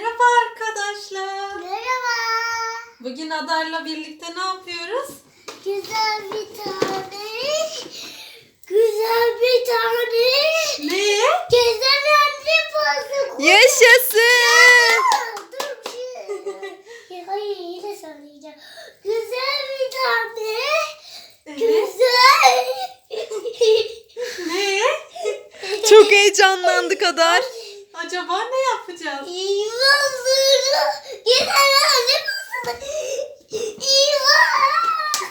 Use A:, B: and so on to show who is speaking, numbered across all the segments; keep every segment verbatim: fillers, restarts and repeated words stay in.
A: Merhaba arkadaşlar.
B: Merhaba.
A: Bugün Adar'la birlikte ne yapıyoruz?
B: Güzel bir tane. Güzel bir tane.
A: Ne?
B: Gezegenli pasta.
C: Yaşasın.
B: Dur bir şey. Hayır yine söyleyeceğim. Güzel bir tane.
A: Evet.
B: Güzel.
A: Ne?
C: Çok heyecanlandık Adar.
A: Acaba ne yapacağız?
B: İmanları. Gezegenli pasta. İman.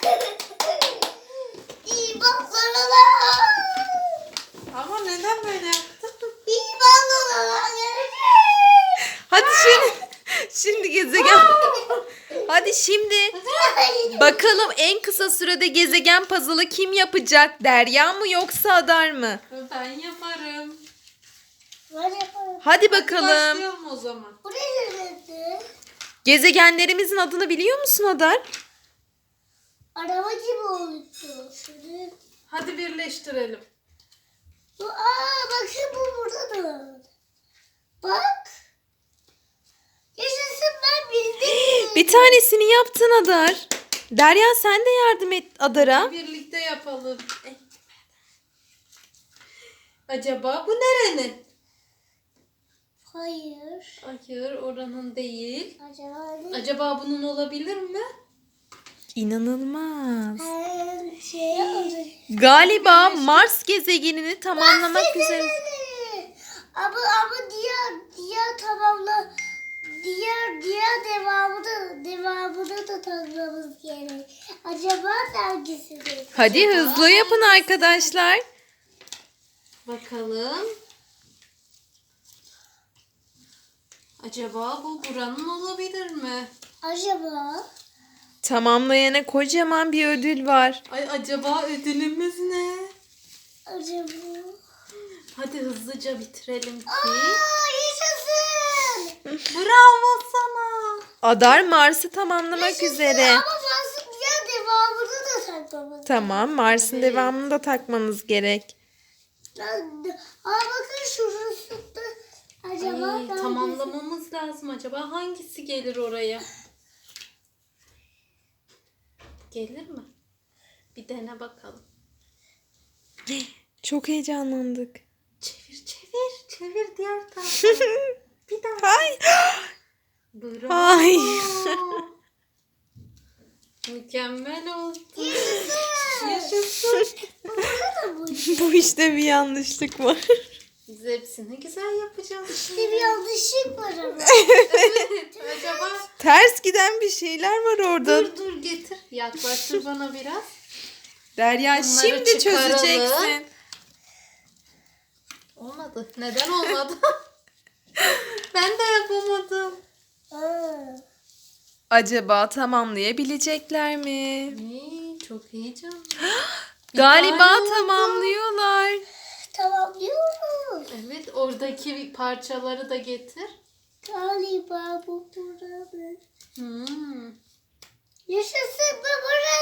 B: İmanları.
A: Ama neden böyle yaptın?
B: İmanları.
C: Hadi şimdi şimdi gezegen. Hadi şimdi bakalım en kısa sürede gezegen puzzle'ı kim yapacak? Derya mı yoksa Adar mı?
A: Ben yaparım.
B: Ben yaparım.
C: Hadi bakalım.
A: Başlayalım o zaman.
B: Bu ne dedi?
C: Gezegenlerimizin adını biliyor musun Adar?
B: Araba gibi oldu. Şöyle.
A: Hadi birleştirelim.
B: Bu, aa bakın bu burada da. Bak. Yaşasın ben bildim.
C: Bir tanesini yaptın Adar. Derya sen de yardım et Adar'a.
A: Birlikte yapalım. Eh. Acaba bu nerenin?
B: Hayır.
A: Hayır, oranın değil.
B: Acaba ne?
A: Acaba bunun olabilir mi?
C: İnanılmaz.
B: Her şey olur.
C: Galiba Mars gezegenini tamamlamak üzere.
B: Ama ama diğer diğer tamamla diğer diğer devamını devamını da tanımamız gerek. Acaba hangisidir?
C: Hadi hızlı yapın arkadaşlar.
A: Bakalım. Acaba bu buranın olabilir mi?
B: Acaba
C: Tamamlayana kocaman bir ödül var.
A: Ay acaba ödülümüz ne?
B: acaba
A: Hadi hızlıca bitirelim ki.
B: Aa yaşasın.
A: Bravo sana.
C: Adar Mars'ı tamamlamak
B: Yaşasın.
C: üzere.
B: Ama fazla diğer devamını da takmamız.
C: Tamam, Mars'ın
A: Evet.
C: devamını da takmanız gerek.
B: Aa bakın şurası da acaba
A: Ay,
B: hangisi?
A: tamamlamamız lazım. Acaba hangisi gelir oraya? Gelir mi? Bir dene bakalım.
C: Çok heyecanlandık.
A: Çevir çevir. Çevir diğer tarafa. Bir daha.
C: Ay.
A: Bravo.
C: Ay.
A: Mükemmel oldu. Yaşasın.
B: Burada da bu.
C: Bu işte bir yanlışlık var.
A: Biz hepsini güzel yapacağız.
B: İşte bir yanlışlık var ama.
A: Evet. Acaba
C: Ters giden bir şeyler var orada.
A: dur dur getir. Yaklaştır bana biraz.
C: Derya
A: Bunları
C: şimdi
A: çıkaralım.
C: çözeceksin.
A: Olmadı. Neden olmadı? Ben de yapamadım.
B: Aa.
C: Acaba tamamlayabilecekler mi?
A: Ay, çok heyecanlı. Bir
C: Galiba
A: tane oldu.
C: tamamlıyorlar.
B: Tamamlıyoruz.
A: Evet, oradaki parçaları da getir.
B: Galiba bu burada.
A: Hmm.
B: Yaşasın bu burada.